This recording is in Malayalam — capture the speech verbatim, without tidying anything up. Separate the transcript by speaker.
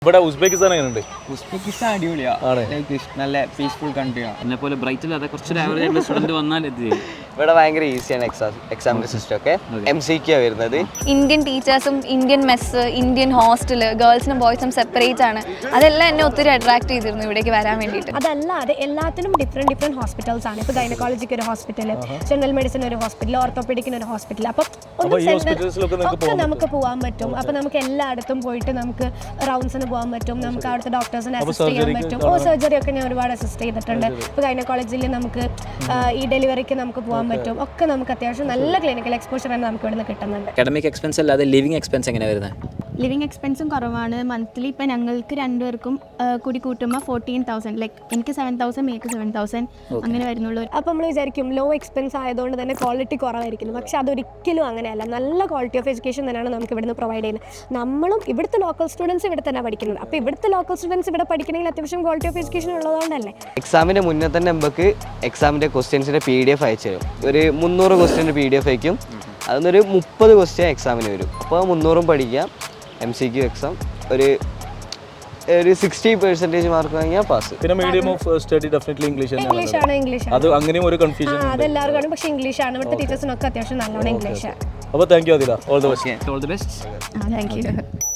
Speaker 1: ഇവിടെ ഉസ്ബെക്കിസ്ഥാൻ എങ്ങനെയുണ്ട്?
Speaker 2: ഉസ്ബെക്കിസ്ഥാൻ അടിപൊളിയാണ്, നല്ല പീസ്ഫുൾ കൺട്രിയാണ്.
Speaker 3: എന്നെ പോലെ ബ്രൈറ്റ് അല്ലാതെ കുറച്ചൊരു ആവറേജ് ആയിട്ടുള്ള സ്റ്റുഡന്റ് വന്നാൽ എത്തി.
Speaker 4: ഇവിടെ ഭയങ്കര ഈസിയാണ് എക്സാം എക്സാമിൻ്റെ സിസ്റ്റം ഒക്കെ. എം സി ക്യൂ വരുന്നത്.
Speaker 5: ഇന്ത്യൻ ടീച്ചേഴ്സും ഇന്ത്യൻ മെസ്സ്, ഇന്ത്യൻ ഹോസ്റ്റൽ, ഗേൾസിനും ബോയ്സിനും സെപ്പറേറ്റ് ആണ്. അതെല്ലാം എന്നെ ഒത്തിരി അട്രാക്ട് ചെയ്തിരുന്നു ഇവിടേക്ക് വരാൻ വേണ്ടിയിട്ട്.
Speaker 6: അതല്ലാതെ എല്ലാത്തിനും ഡിഫറെൻറ്റ് ഡിഫറെൻറ്റ് ഹോസ്പിറ്റൽസ് ആണ്. ഇപ്പോൾ ഗൈനക്കോളജിക്ക് ഒരു ഹോസ്പിറ്റൽ, ജനറൽ മെഡിസിൻ ഒരു ഹോസ്പിറ്റൽ, ഓർത്തോപെഡിക്കിന് ഒരു ഹോസ്പിറ്റൽ. അപ്പം ഒക്കെ നമുക്ക് പോകാൻ പറ്റും. അപ്പം നമുക്ക് എല്ലായിടത്തും പോയിട്ട് നമുക്ക് റൗണ്ട്സിന് പോകാൻ പറ്റും. നമുക്ക് അവിടുത്തെ ഡോക്ടേഴ്സിനെ അസിസ്റ്റ് ചെയ്യാൻ പറ്റും. ഓ സർജറി ഒക്കെ ഞാൻ ഒരുപാട് അസിസ്റ്റ് ചെയ്തിട്ടുണ്ട്. ഇപ്പോൾ ഗൈനക്കോളജിൽ നമുക്ക് ഈ ഡെലിവറിക്ക് നമുക്ക് പോകാൻ പറ്റും. ഒക്കെ നമുക്ക് അത്യാവശ്യം നല്ല ക്ലിനിക്കൽ എക്സ്പോഷർ തന്നെ നമുക്ക് ഇവിടുന്ന് കിട്ടുന്നുണ്ട്.
Speaker 3: അക്കാഡമിക് എക്സ്പെൻസ് അല്ലാതെ ലിവിംഗ് എക്സ്പെൻസ് എങ്ങനെയാണ് വരുന്നത്?
Speaker 7: ലിവിങ് എക്സ്പെൻസും കുറവാണ്. മന്ത്ലി ഇപ്പം ഞങ്ങൾക്ക് രണ്ടുപേർക്കും കൂടി കൂട്ടുമ്പോൾ ഫോർട്ടീൻ തൗസൻഡ് ലൈക്ക് എനിക്ക് seven thousand make seven thousand അങ്ങനെ വരുന്നുള്ളൂ.
Speaker 6: അപ്പോൾ നമ്മൾ വിചാരിക്കും ലോ എക്സ്പെൻസ് ആയതുകൊണ്ട് തന്നെ ക്വാളിറ്റി കുറവായിരിക്കും. പക്ഷെ അതൊരിക്കലും അങ്ങനെയല്ല. നല്ല ക്വാളിറ്റി ഓഫ് എഡ്യൂക്കേഷൻ തന്നെയാണ് നമുക്ക് ഇവിടുന്ന് പ്രൊവൈഡ് ചെയ്യുന്നത്. നമ്മളും ഇവിടുത്തെ ലോക്കൽ സ്റ്റുഡൻസ് ഇവിടെ തന്നെ പഠിക്കുന്നത്. അപ്പോൾ ഇവിടുത്തെ ലോക്കൽ സ്റ്റുഡൻസ് ഇവിടെ പഠിക്കണമെങ്കിൽ അത്യാവശ്യം ക്വാളിറ്റി ഓഫ് എഡ്യൂക്കേഷൻ ഉള്ളതുകൊണ്ടല്ലേ.
Speaker 4: എക്സാമിൻ്റെ മുന്നേ തന്നെ നമുക്ക് എക്സാമിൻ്റെ ക്വസ്റ്റ്യൻസിൻ്റെ പി ഡി എഫ് അയച്ചു തരും. ഒരു മുന്നൂറ് ക്വസ്റ്റ്യൻ്റെ പി ഡി എഫ് അയക്കും. അതൊന്നൊരു മുപ്പത് ക്വസ്റ്റ്യൻ എക്സാമിന് വരും. അപ്പോൾ മുന്നൂറും പഠിക്കാം. എം സി ക്യു എക്സാം ഒരു ഒരു സിക്സ്റ്റി പെർസെൻറ്റേജ് മാർക്ക് വാങ്ങിയാൽ പാസ്.
Speaker 1: പിന്നെ medium of study definitely English
Speaker 6: English ആണ് ഇംഗ്ലീഷ്
Speaker 1: അത് അങ്ങനെയും ഒരു കൺഫ്യൂഷൻ
Speaker 6: അതെല്ലാവരും കാണും. പക്ഷേ ഇംഗ്ലീഷ് ആണ് ഇവിടുത്തെ ടീച്ചേഴ്സിനൊക്കെ അത്യാവശ്യം നല്ലോണം ഇംഗ്ലീഷ്.
Speaker 1: അപ്പോൾ thank you Adila. All the best.
Speaker 3: All the best.
Speaker 7: Thank U.